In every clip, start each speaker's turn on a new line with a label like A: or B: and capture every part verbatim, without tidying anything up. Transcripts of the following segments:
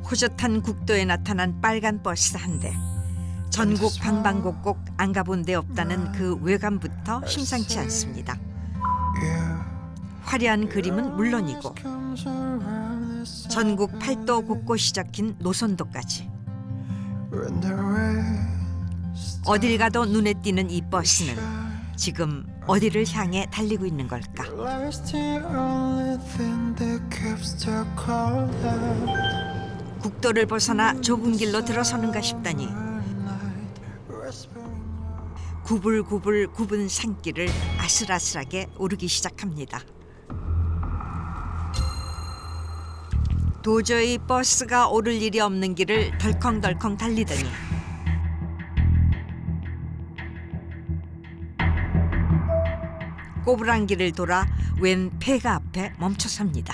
A: 호젓한 국도에 나타난 빨간 버스 한 대. 전국 방방곡곡 안 가본 데 없다는 그 외관부터 심상치 않습니다. 화려한 그림은 물론이고 전국 팔도 곳곳이 적힌 노선도까지. 어딜 가도 눈에 띄는 이 버스는 지금 어디를 향해 달리고 있는 걸까? 국도를 벗어나 좁은 길로 들어서는가 싶다니 구불구불 굽은 산길을 아슬아슬하게 오르기 시작합니다. 도저히 버스가 오를 일이 없는 길을 덜컹덜컹 달리더니 꼬부랑 길을 돌아 웬 폐가 앞에 멈춰섭니다.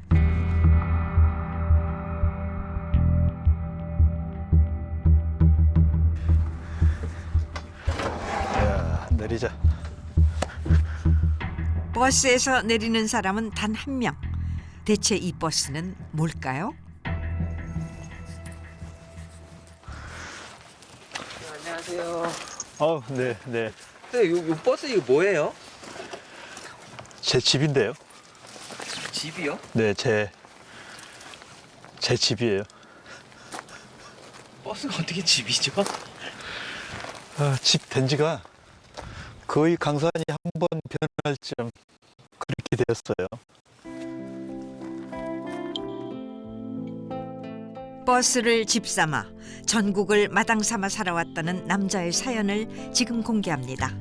B: 야, 내리자.
A: 버스에서 내리는 사람은 단 한 명. 대체 이 버스는 뭘까요?
C: 안녕하세요.
B: 어, 네, 네.
C: 근데 요, 요 버스 이거 뭐예요?
B: 제 집인데요.
C: 집이요?
B: 네, 제, 제 집이에요.
C: 버스가 어떻게 집이죠?
B: 아, 집 된 지가 거의 강산이 한 번 변할 쯤 그렇게 되었어요.
A: 버스를 집 삼아 전국을 마당 삼아 살아왔다는 남자의 사연을 지금 공개합니다.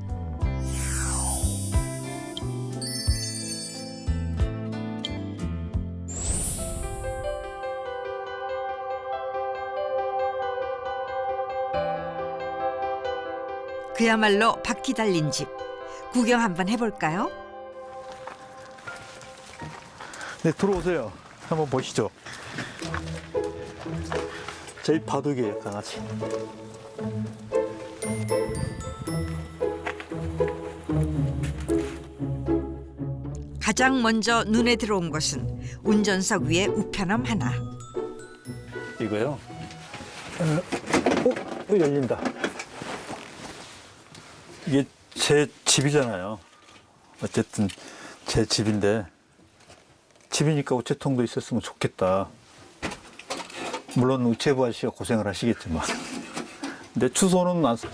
A: 그야말로 바퀴 달린 집. 구경 한번 해볼까요?
B: 네, 들어오세요. 한번 보시죠. 저희 바둑이에요, 강아지.
A: 가장 먼저 눈에 들어온 것은 운전석 위에 우편함 하나.
B: 이거요. 어, 어, 어, 열린다. 이게 제 집이잖아요. 어쨌든 제 집인데 집이니까 우체통도 있었으면 좋겠다. 물론 우체부 아저씨가 고생을 하시겠지만 근데 주소는 안 써.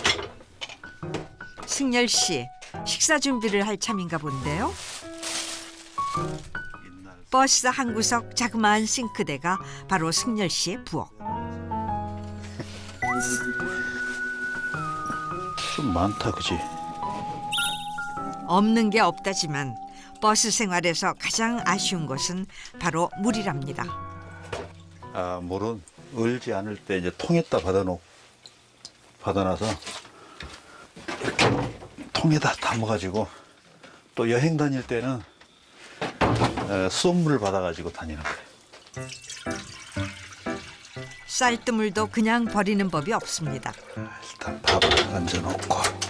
A: 승열 씨, 식사 준비를 할 참인가 본데요. 버스 한 구석 자그마한 싱크대가 바로 승열 씨의 부엌.
B: 좀 많다, 그지?
A: 없는 게 없다지만 버스 생활에서 가장 아쉬운 것은 바로 물이랍니다.
B: 아, 물은 얼지 않을 때 이제 통에다 받아놓 받아놔서 이렇게 통에다 담아가지고 또 여행 다닐 때는 어, 수돗물을 받아가지고 다니는 거예요.
A: 쌀뜨물도 그냥 버리는 법이 없습니다.
B: 일단 밥을 얹어놓고.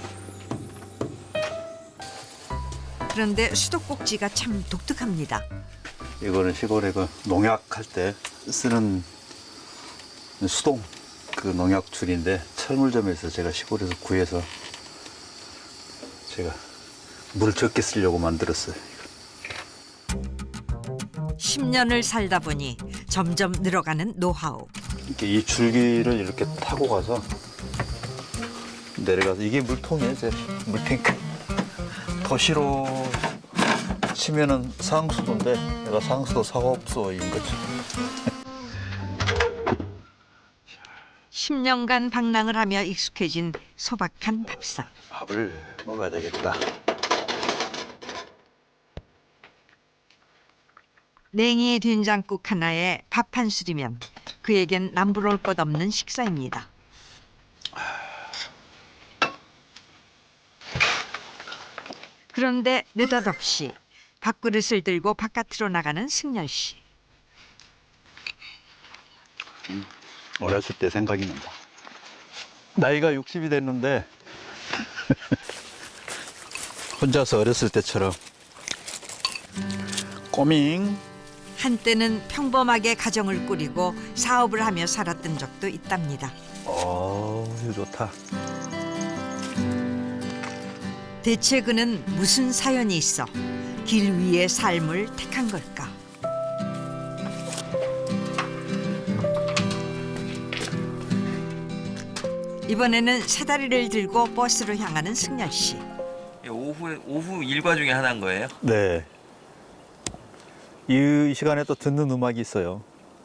A: 그런데 수도꼭지가 참 독특합니다.
B: 이거는 시골에 그 농약할 때 쓰는 수동 그 농약줄인데 철물점에서 제가 시골에서 구해서 제가 물 적게 쓰려고 만들었어요.
A: 십 년을 살다 보니 점점 늘어가는 노하우.
B: 이렇게 이 줄기를 이렇게 타고 가서 내려가서 이게 물통이에요, 제 물탱크. 도시로 치면은 상수도인데 내가 상수도 사업소인 거죠.
A: 십 년간 방랑을 하며 익숙해진 소박한 밥상.
B: 밥을 먹어야 되겠다.
A: 냉이 된장국 하나에 밥 한 술이면 그에겐 남부러울 것 없는 식사입니다. 그런데 느닷없이 밥그릇을 들고 바깥으로 나가는 승열 씨.
B: 어렸을 때 생각이 난다. 나이가 육십이 됐는데 혼자서 어렸을 때처럼 꼬밍
A: 한때는 평범하게 가정을 꾸리고 사업을 하며 살았던 적도 있답니다.
B: 어, 이거 좋다.
A: 대체 그는 무슨 사연이 있어 길 위의 삶을 택한 걸까? 이번에는 세 다리를 들고 버스로 향하는 승열 씨.
C: 오후에 오후 일과 중에 하나인 거예요?
B: 네. 이 시간에 또 듣는 음악이 있어요.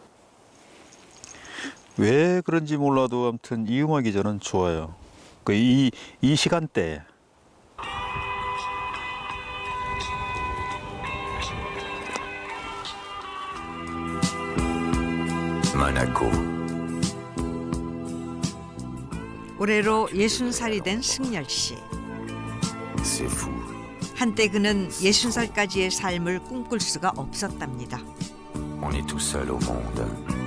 B: 왜 그런지 몰라도 아무튼 이 음악이 저는 좋아요. 그 이 이 시간대.
D: Monaco.
A: 올해로 예순 살이 된 승열 씨.
D: C'est fou.
A: 한때 그는 예순 살까지의 삶을 꿈꿀 수가 없었답니다.
D: On est tout seul au monde.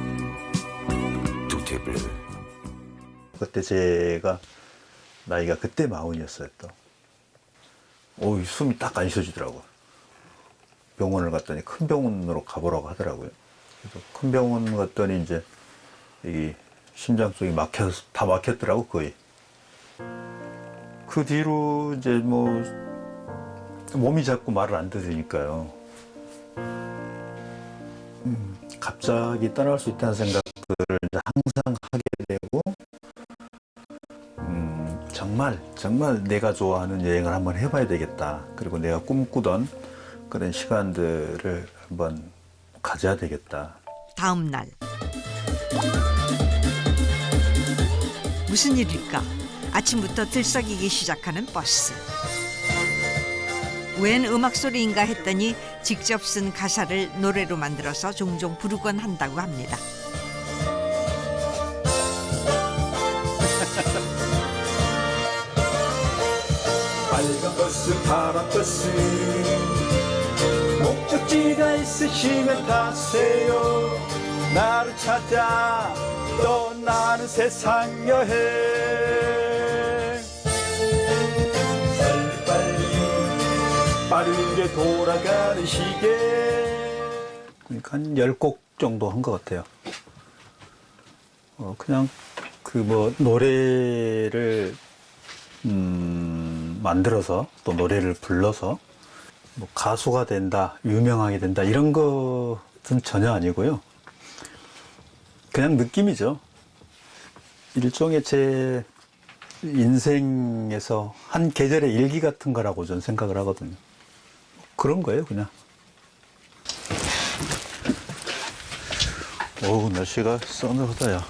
D: Tout est bleu.
B: 그때 제가 나이가 그때 마흔이었어요 또. 오, 숨이 딱 안 쉬어지더라고. 병원을 갔더니 큰 병원으로 가보라고 하더라고요. 그래서 큰 병원 갔더니 이제 이 심장 쪽이 막혀 다 막혔더라고 거의. 그 뒤로 이제 뭐 몸이 자꾸 말을 안 들으니까요. 음, 갑자기 떠날 수 있다는 생각들을 이제 항상 하게 되고, 음, 정말 정말 내가 좋아하는 여행을 한번 해봐야 되겠다. 그리고 내가 꿈꾸던 그런 시간들을 한번 가져야 되겠다.
A: 다음 날 무슨 일일까? 아침부터 들썩이기 시작하는 버스. 웬 음악 소리인가 했더니 직접 쓴 가사를 노래로 만들어서 종종 부르곤 한다고 합니다.
B: 빨간 버스, 파란 버스, 목적지가 있으시면 타세요. 나를 찾아 떠나는 세상 여행. 빨리빨리 빠르게 돌아가는 시계. 그러니까 한 열 곡 정도 한 것 같아요. 어, 그냥 그 뭐 노래를 음, 만들어서 또 노래를 불러서 뭐 가수가 된다, 유명하게 된다 이런 것은 전혀 아니고요. 그냥 느낌이죠. 일종의 제 인생에서 한 계절의 일기 같은 거라고 저는 생각을 하거든요. 그런 거예요, 그냥. 어우, 날씨가 서늘하다야.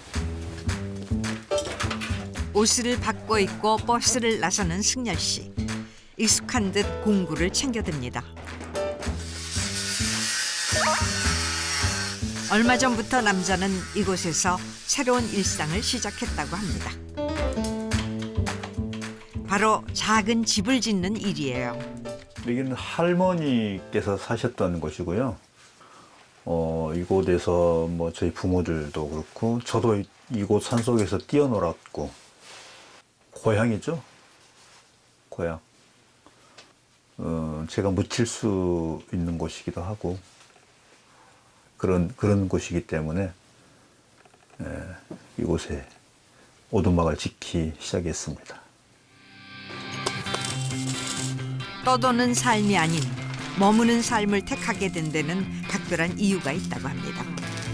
A: 옷을 바꿔 입고 버스를 나서는 승열 씨. 익숙한 듯 공구를 챙겨듭니다. 얼마 전부터 남자는 이곳에서 새로운 일상을 시작했다고 합니다. 바로 작은 집을 짓는 일이에요.
B: 여기는 할머니께서 사셨던 곳이고요. 어, 이곳에서 뭐 저희 부모들도 그렇고 저도 이- 이곳 산속에서 뛰어놀았고 고향이죠. 고향. 어, 제가 묻힐 수 있는 곳이기도 하고 그런 그런 곳이기 때문에 에, 이곳에 오두막을 짓기 시작했습니다.
A: 떠도는 삶이 아닌 머무는 삶을 택하게 된 데는 각별한 이유가 있다고 합니다.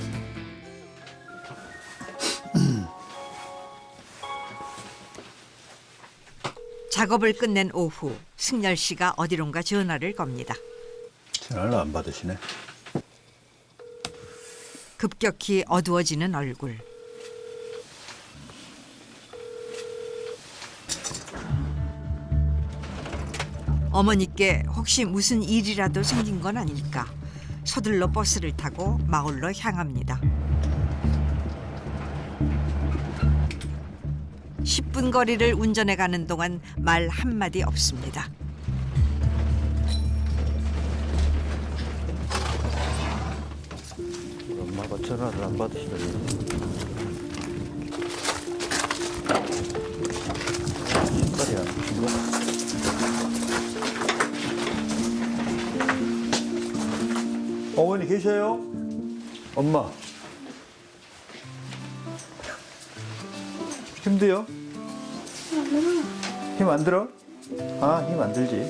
A: 작업을 끝낸 오후 승열 씨가 어디론가 전화를 겁니다.
B: 전화를 안 받으시네.
A: 급격히 어두워지는 얼굴. 어머니께 혹시 무슨 일이라도 생긴 건 아닐까 서둘러 버스를 타고 마을로 향합니다. 십 분 거리를 운전해 가는 동안 말 한마디 없습니다.
B: 엄마가 전화를 안 받으시더니 신발이야. 어머니 계셔요? 엄마. 힘들요? 힘 안 들어? 아, 힘 안 들지.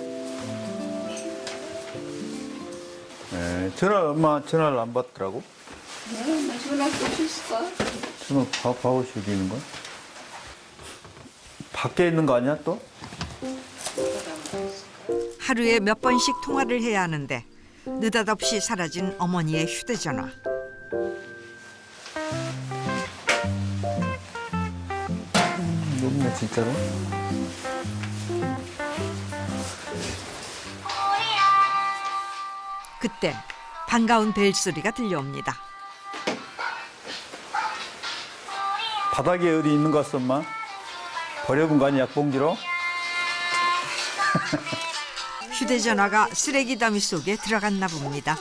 B: 네, 전화, 엄마 전화를 안 받더라고.
E: 네, 나 전화 끄셨어.
B: 전화 바, 바우시 어디 있는 거야? 밖에 있는 거 아니야, 또?
A: 하루에 몇 번씩 통화를 해야 하는데 느닷없이 사라진 어머니의 휴대전화.
B: 없네, 진짜로.
A: 그때 반가운 벨소리가 들려옵니다.
B: 바닥에 어디 있는 거 같어, 엄마? 버려본 거 아니야, 약봉지로?
A: 휴대전화가 쓰레기 더미 속에 들어갔나 봅니다.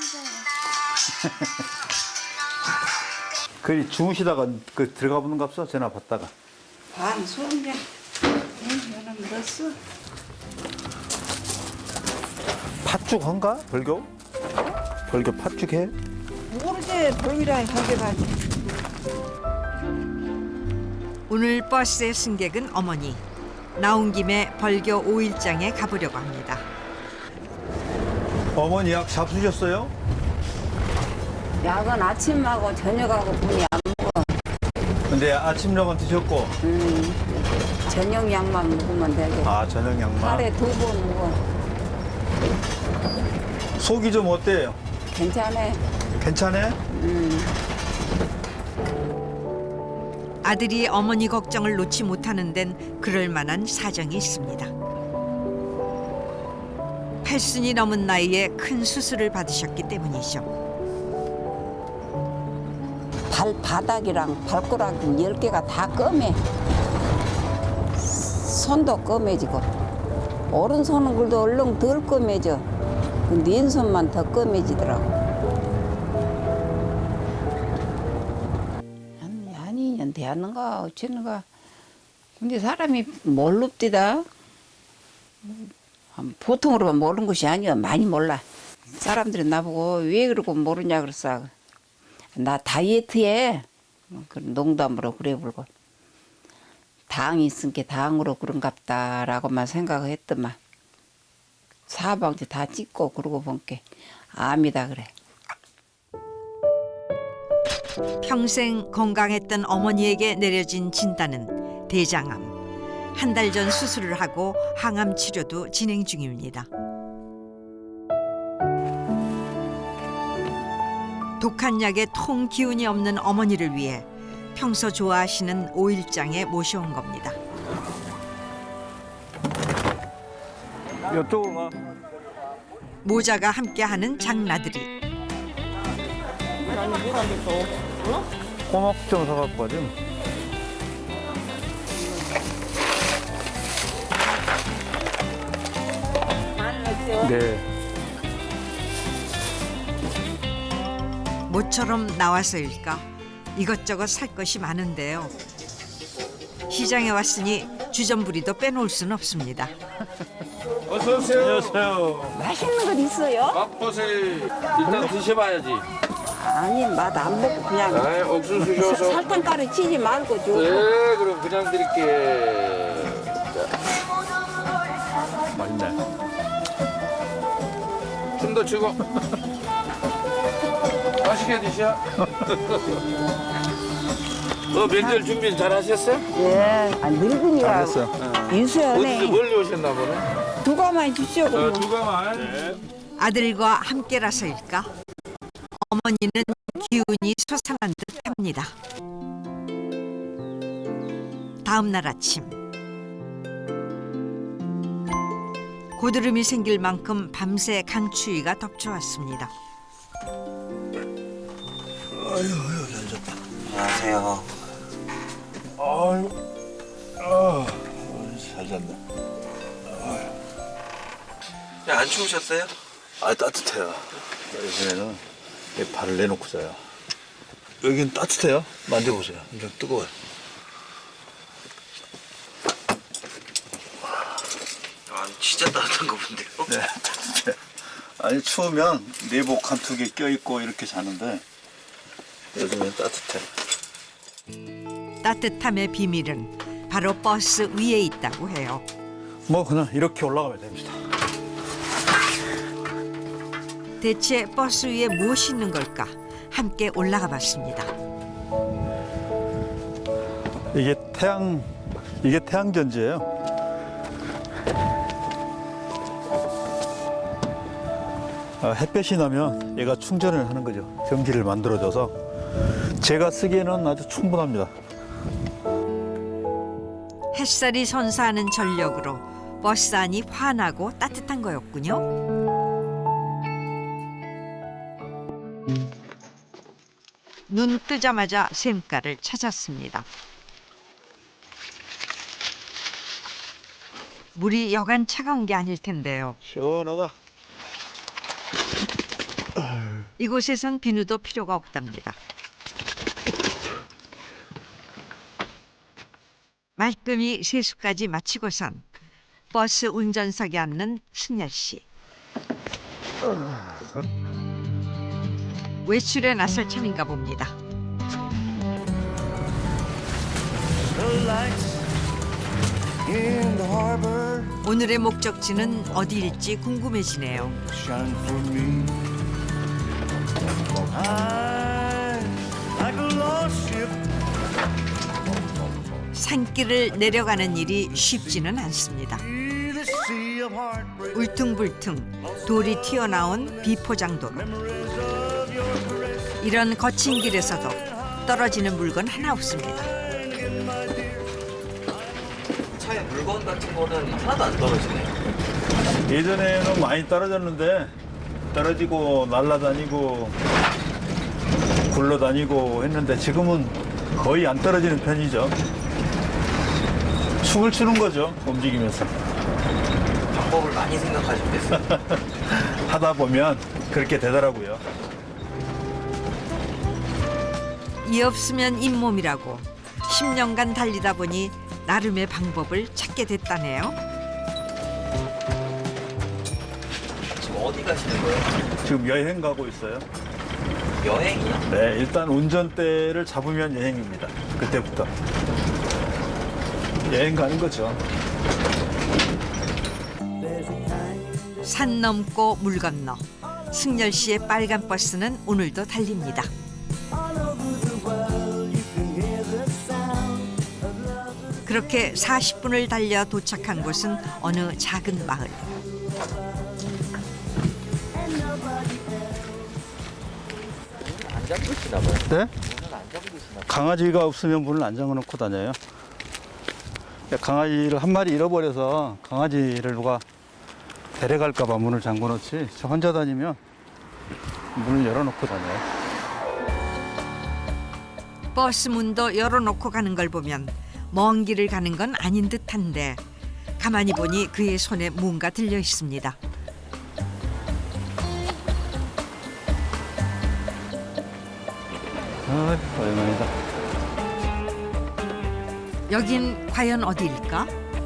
B: 그 주무시다가 그 들어가 보는 거 없어? 전화 받다가.
E: 반 손자. 응, 너는 넣었어.
B: 팥죽한가? 벌교? 벌교 팥죽해?
E: 모르지, 벌이랑 가져가지.
A: 오늘 버스의 승객은 어머니. 나온 김에 벌교 오일장에 가보려고 합니다.
B: 어머니 약 잡수셨어요?
E: 약은 아침하고 저녁하고 분이 안 먹어.
B: 근데 아침약은 드셨고,
E: 음, 저녁 약만 먹으면 되고.
B: 아, 저녁 약만.
E: 하루에 두 번 먹어.
B: 속이 좀 어때요?
E: 괜찮아.
B: 괜찮아?
A: 아들이 어머니 걱정을 놓지 못하는 데는 그럴 만한 사정이 있습니다. 팔순이 넘은 나이에 큰 수술을 받으셨기 때문이죠.
E: 발바닥이랑 발가락 열 개가 다 검해. 손도 검해지고. 오른손은 그래도 얼른 덜 검해져. 근데 왼손만 더 검해지더라고. 한, 한 이 년 되었는가 어쩌는가. 근데 사람이 몰릅디다. 보통으로 모르는 것이 아니야. 많이 몰라. 사람들이 나보고 왜 그러고 모르냐 그랬어. 나 다이어트해. 그 농담으로 그래 불고. 당이 있으니까 당으로 그런갑다라고만 생각을 했더만. 사방지 다 찍고 그러고 본게 암이다 그래.
A: 평생 건강했던 어머니에게 내려진 진단은 대장암. 한 달 전 수술을 하고 항암 치료도 진행 중입니다. 독한 약에 통 기운이 없는 어머니를 위해 평소 좋아하시는 오일장에 모셔온 겁니다.
B: 이쪽으로 가.
A: 모자가 함께하는 장나들이.
B: 꼬막 좀 사갖고 가지. 네.
A: 모처럼 나와서일까 이것저것 살 것이 많은데요. 시장에 왔으니 주전부리도 빼놓을 수는 없습니다.
F: 어서 오세요.
B: 안녕하세요.
E: 맛있는 거 있어요?
F: 맛보세요. 일단 드셔봐야지.
E: 아니 맛 안 먹고 그냥
F: 아, 옥수수 줘서.
E: 설탕 가루 치지 말고 줘.
F: 네, 그럼 그냥 드릴게.
B: 맛있네.
F: 좀 더 주고. 맛있게 드셔. 어, 명절 준비 잘 하셨어요?
E: 예, 아, 늙은이가
B: 잘했어.
E: 유수연해.
F: 어디서 멀리 오셨나 보네.
E: 두 가만 주시오.
F: 어,
E: 그러면.
F: 두 가만.
A: 아들과 함께라서일까 어머니는 기운이 솟아난 듯합니다. 다음 날 아침 고드름이 생길 만큼 밤새 강추위가 덮쳐왔습니다.
C: 안녕하세요.
B: 아유, 아, 잘 잤네.
C: 야, 안 추우셨어요?
B: 아, 따뜻해요. 요즘에는 발을 내놓고 자요. 여긴 따뜻해요. 만져보세요. 좀 뜨거워요.
C: 아, 진짜 따뜻한 거 본데요?
B: 네, 따뜻해. 아니 추우면 내복 한 두 개 껴입고 이렇게 자는데 요즘엔 따뜻해.
A: 따뜻함의 비밀은 바로 버스 위에 있다고 해요.
B: 뭐 그냥 이렇게 올라가면 됩니다.
A: 대체 버스 위에 무엇이 있는 걸까? 함께 올라가 봤습니다.
B: 이게 태양 이게 태양전지예요. 아, 햇볕이 나면 얘가 충전을 하는 거죠. 전기를 만들어줘서 제가 쓰기에는 아주 충분합니다.
A: 햇살이 선사하는 전력으로 버스 안이 환하고 따뜻한 거였군요. 눈 뜨자마자 샘가를 찾았습니다. 물이 여간 차가운 게 아닐 텐데요.
B: 시원하다.
A: 이곳에선 비누도 필요가 없답니다. 말끔히 세수까지 마치고선 버스 운전석에 앉는 승열 씨. 외출에 나설 참인가 봅니다. 오늘의 목적지는 어디일지 궁금해지네요. 산길을 내려가는 일이 쉽지는 않습니다. 울퉁불퉁 돌이 튀어나온 비포장도로. 이런 거친 길에서도 떨어지는 물건 하나 없습니다.
C: 차에 물건 같은 거는 하나도 안 떨어지네요.
B: 예전에는 많이 떨어졌는데 떨어지고 날아다니고 굴러다니고 했는데 지금은 거의 안 떨어지는 편이죠. 춤을 추는 거죠, 움직이면서.
C: 방법을 많이 생각하셨겠어요.
B: 하다 보면 그렇게 되더라고요.
A: 이 없으면 잇몸이라고 십 년간 달리다 보니 나름의 방법을 찾게 됐다네요.
C: 지금 어디 가시는 거예요?
B: 지금 여행 가고 있어요.
C: 여행이요?
B: 네, 일단 운전대를 잡으면 여행입니다. 그때부터. 여행 가는 거죠.
A: 산 넘고 물 건너 승열 씨의 빨간 버스는 오늘도 달립니다. 그렇게 사십 분을 달려 도착한 곳은 어느 작은 마을.
C: 안 잠그시나 봐요.
B: 네?
C: 문은 안 잠그시나 봐요.
B: 강아지가 없으면 문을 안 잠궈 놓고 다녀요. 강아지를 한 마리 잃어버려서 강아지를 누가 데려갈까 봐 문을 잠궈 놓지. 저 혼자 다니면 문을 열어놓고 다녀요.
A: 버스 문도 열어놓고 가는 걸 보면 먼 길을 가는 건 아닌 듯한데 가만히 보니 그의 손에 뭔가 들려 있습니다.
B: 아, 오랜만이다.
A: 여긴 과연 어디일까?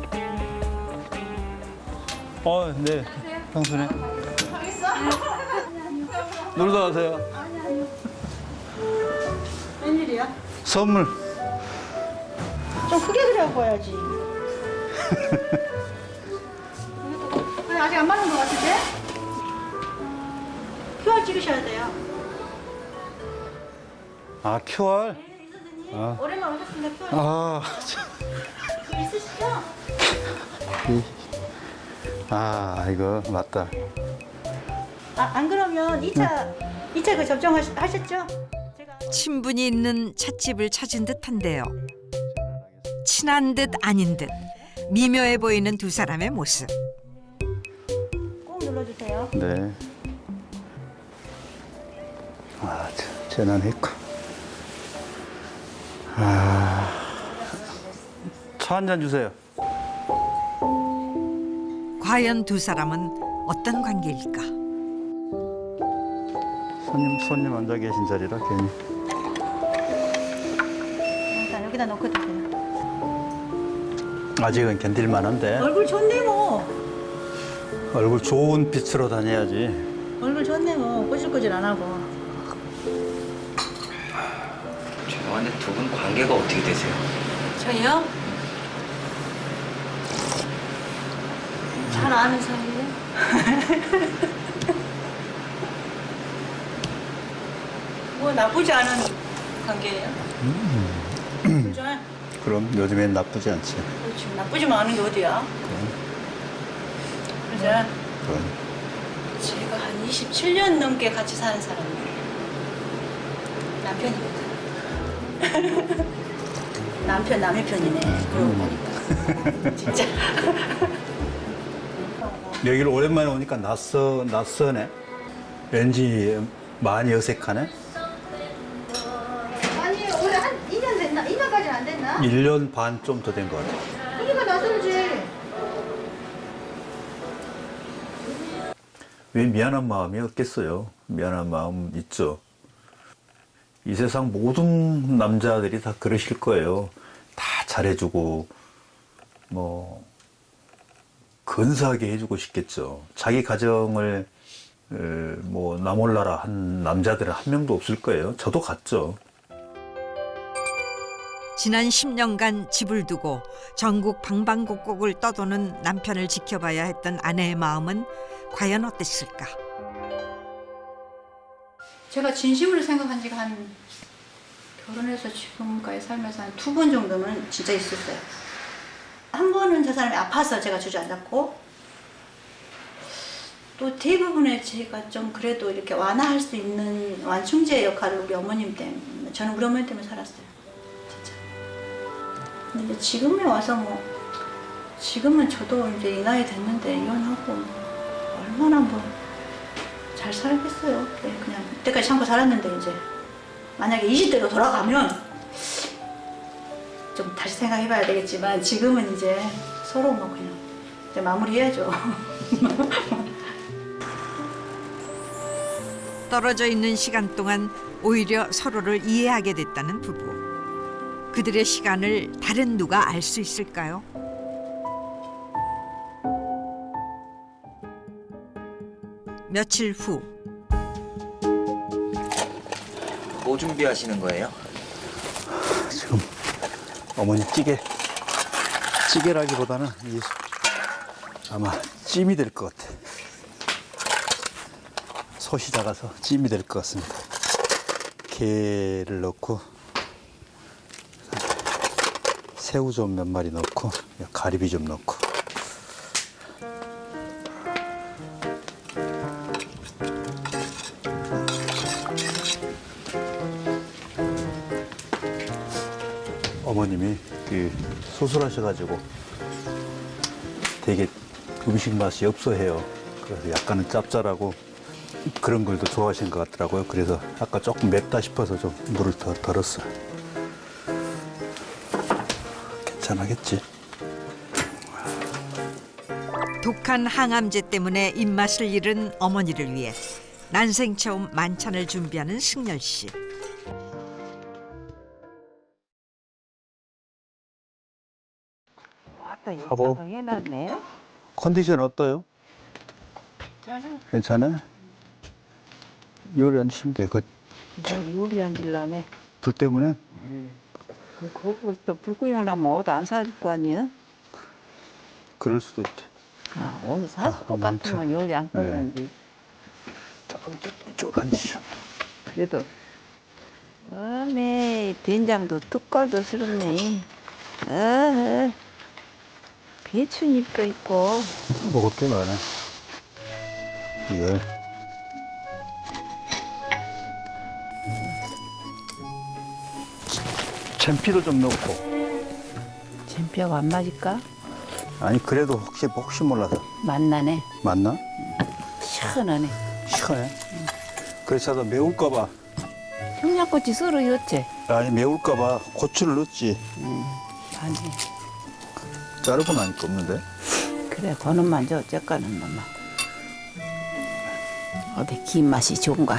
B: 어, 네. 형수네. 놀러 가세요.
G: 웬일이야?
B: 선물.
G: 좀 크게 그려봐야지. 왜 아직 안 맞는 것 같은데? 큐알 찍으셔야 돼요.
B: 아, 큐알?
G: 네, 이선생님.
B: 아.
G: 오랜만에 오셨습니다. 큐알
B: 아, 참.
G: 있으시죠?
B: 아, 이거 맞다.
G: 아, 안 그러면 이 차, 이 차 그 접종하셨죠? 제가
A: 친분이 있는 찻집을 찾은 듯한데요. 친한 듯 아닌 듯 미묘해 보이는 두 사람의 모습.
G: 꼭 눌러주세요.
B: 네. 아, 참, 재난했고. 아, 차 한 잔 주세요.
A: 과연 두 사람은 어떤 관계일까?
B: 손님, 손님 앉아 계신 자리라 괜히.
G: 일단 여기다 놓고 드세요.
B: 아직은 견딜만한데
G: 얼굴 좋네 뭐.
B: 얼굴 좋은 빛으로 다녀야지.
G: 얼굴 좋네 뭐 꼬질꼬질 안 하고.
C: 죄송한데 두 분 관계가 어떻게 되세요?
G: 저희요? 잘 아는 사이예요. 뭐 나쁘지 않은 관계예요. 그죠?
B: 그럼 요즘엔 나쁘지 않지.
G: 그렇지. 나쁘지만 않은 게 어디야? 그죠?
B: 그럼.
G: 제가 한 이십칠 년 넘게 같이 사는 사람이에요. 남편이거든. 남편 남의 편이네. 그러고 보니까. 진짜.
B: 여기를 오랜만에 오니까 낯서, 낯서네. 왠지 많이 어색하네.
G: 아니 올해 한 이 년 됐나? 이 년까지는 안 됐나?
B: 일 년 반 좀 더 된 것 같아.
G: 그러니까 낯설지.
B: 왜 미안한 마음이 없겠어요. 미안한 마음 있죠. 이 세상 모든 남자들이 다 그러실 거예요. 다 잘해주고 뭐 근사하게 해주고 싶겠죠. 자기 가정을 에, 뭐 나몰라라 한 남자들은 한 명도 없을 거예요. 저도 같죠.
A: 지난 십 년간 집을 두고 전국 방방곡곡을 떠도는 남편을 지켜봐야 했던 아내의 마음은 과연 어땠을까?
G: 제가 진심으로 생각한 지가 한 결혼해서 지금까지 살면서 한 두 번 정도는 진짜 있었어요. 한 번은 저 사람이 아파서 제가 주저앉았고 또 대부분의 제가 좀 그래도 이렇게 완화할 수 있는 완충제 역할을 우리 어머님 때문에 저는 우리 어머님 때문에 살았어요. 진짜. 근데 이제 지금에 와서 뭐 지금은 저도 이제 이 나이 됐는데 이혼하고 얼마나 뭐 잘 살겠어요. 네, 그냥 이때까지 참고 살았는데 이제 만약에 이십 대로 돌아가면 좀 다시 생각해봐야 되겠지만 지금은 이제 서로 뭐 그냥 이제 마무리해야죠.
A: 떨어져 있는 시간 동안 오히려 서로를 이해하게 됐다는 부부. 그들의 시간을 다른 누가 알 수 있을까요? 며칠 후
C: 뭐 준비하시는 거예요?
B: 지금 어머니 찌개 찌개라기보다는 이 아마 찜이 될 것 같아. 솥이 작아서 찜이 될 것 같습니다. 게를 넣고 새우 좀 몇 마리 넣고 가리비 좀 넣고 어머님이 그 수술하셔가지고 되게 음식 맛이 없어해요. 그래서 약간은 짭짤하고 그런 걸 더 좋아하시는 것 같더라고요. 그래서 아까 조금 맵다 싶어서 좀 물을 더 덜었어요. 괜찮아겠지?
A: 독한 항암제 때문에 입맛을 잃은 어머니를 위해 난생 처음 만찬을 준비하는 승열 씨.
B: 여보.
E: 해놨네.
B: 컨디션 어때요? 괜찮아? 요리 안 힘들어. 그,
E: 요리 안 질라네.
B: 불 때문에?
E: 거기서 불구이 하려면 옷 안 살 거 아니야?
B: 그럴 수도 있지.
E: 아, 옷 사서 똑같으면 요리 안 하는데.
B: 조금 쭉 앉으셔.
E: 그래도 어메 된장도 뚝걸도 스럽네. 어, 배추잎도 있고.
B: 먹을 게 많아. 이걸. 잼피도 좀 넣고.
E: 잼뼈가 안 맞을까?
B: 아니, 그래도 혹시, 혹시 몰라서.
E: 맛나네.
B: 맞나?
E: 시원하네.
B: 시원해. 그래서 매울까봐.
E: 청양고추 썰어 넣었지?
B: 아니, 매울까봐 고추를 넣었지.
E: 아니
B: 자르고 나니까 없는데.
E: 그래 거는만 줘 젓가는 놈만. 어디 김 맛이 좋은가?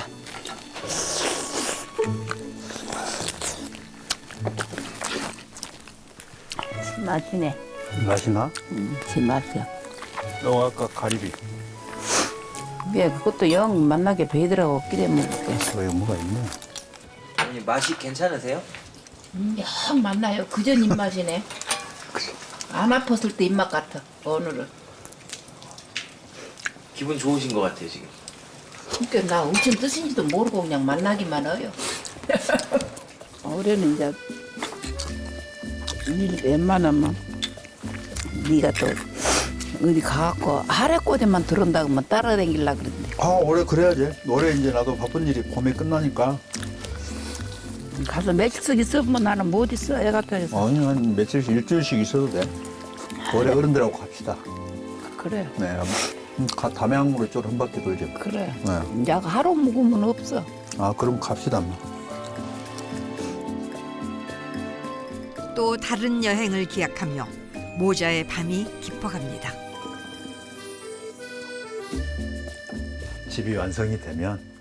E: 맛이네.
B: 맛이 나?
E: 음, 지 맛이야.
B: 너 아까 가리비.
E: 왜 그것도 영 만나게 배더라고 끼래 먹을게.
B: 왜 뭐가 있네.
C: 아니 맛이 괜찮으세요?
E: 음, 영 만나요. 그전 입맛이네. 안 아팠을 때 입맛 같아. 오늘은.
C: 기분 좋으신 것 같아요 지금.
E: 그러니까 나 엄청 뜻인지도 모르고 그냥 만나기만 해요. 올해는 이제 일 웬만하면 네가 또 어디 가갖고 하래꼬대만 들은다고 하면 따라다니려고 그러는데
B: 아 올해 그래야지. 올해 이제 나도 바쁜 일이 봄에 끝나니까.
E: 가서 며칠씩 있으면 나는 못 있어 애 같아서.
B: 아니 한 며칠씩 일주일씩 있어도 돼. 올해 어른들하고 갑시다.
E: 그래
B: 네. 음, 가, 담양으로 좀 한 바퀴 돌죠.
E: 그래
B: 네.
E: 이제 하루 묵으면 없어.
B: 아 그럼 갑시다. 뭐.
A: 또 다른 여행을 기약하며 모자의 밤이 깊어갑니다.
B: 집이 완성이 되면